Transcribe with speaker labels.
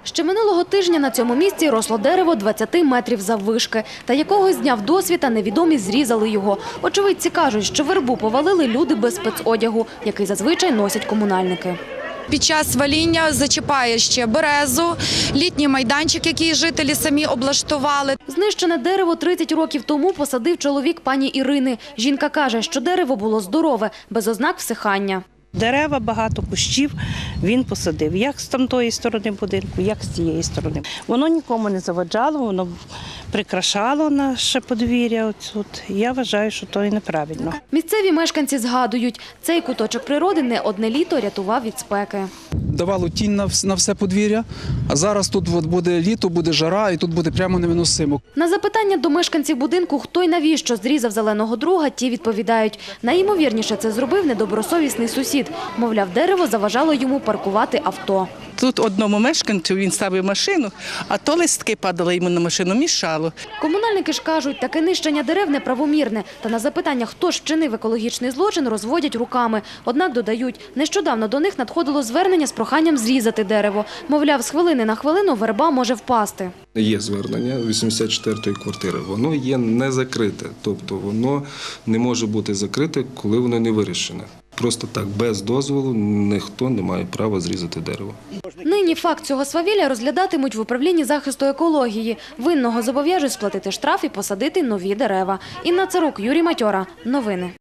Speaker 1: Ще минулого тижня на цьому місці росло дерево 20 метрів заввишки. Та якогось дня вдосвіта невідомі зрізали його. Очевидці кажуть, що вербу повалили люди без спецодягу, який зазвичай носять комунальники.
Speaker 2: Під час ваління зачіпає ще березу, літній майданчик, який жителі самі облаштували.
Speaker 1: Знищене дерево 30 років тому посадив чоловік пані Ірини. Жінка каже, що дерево було здорове, без ознак всихання.
Speaker 3: Дерева, багато кущів він посадив, як з тамтої сторони будинку, як з цієї сторони. Воно нікому не заваджало, воно прикрашало наше подвір'я. Я вважаю, що то і неправильно.
Speaker 1: Місцеві мешканці згадують, цей куточок природи не одне літо рятував від спеки.
Speaker 4: Давало тінь на все подвір'я, а зараз тут буде літо, буде жара і тут буде прямо невиносимо.
Speaker 1: На запитання до мешканців будинку, хто й навіщо зрізав зеленого друга, ті відповідають. Найімовірніше це зробив недобросовісний сусід. Мовляв, дерево заважало йому паркувати авто.
Speaker 5: Тут одному мешканцю він ставив машину, а то листки падали йому на машину, мішало.
Speaker 1: Комунальники ж кажуть, таке нищення дерев неправомірне. Та на запитання, хто ж вчинив екологічний злочин, розводять руками. Однак додають, нещодавно до них надходило звернення з проханням зрізати дерево. Мовляв, з хвилини на хвилину верба може впасти.
Speaker 6: Є звернення 84-ї квартири, воно є не закрите, тобто воно не може бути закрите, коли воно не вирішене. Просто так, без дозволу, ніхто не має права зрізати дерево.
Speaker 1: Нині факт цього свавілля розглядатимуть в управлінні захисту екології. Винного зобов'яжуть сплатити штраф і посадити нові дерева. Інна Царук, Юрій Матьора. Новини.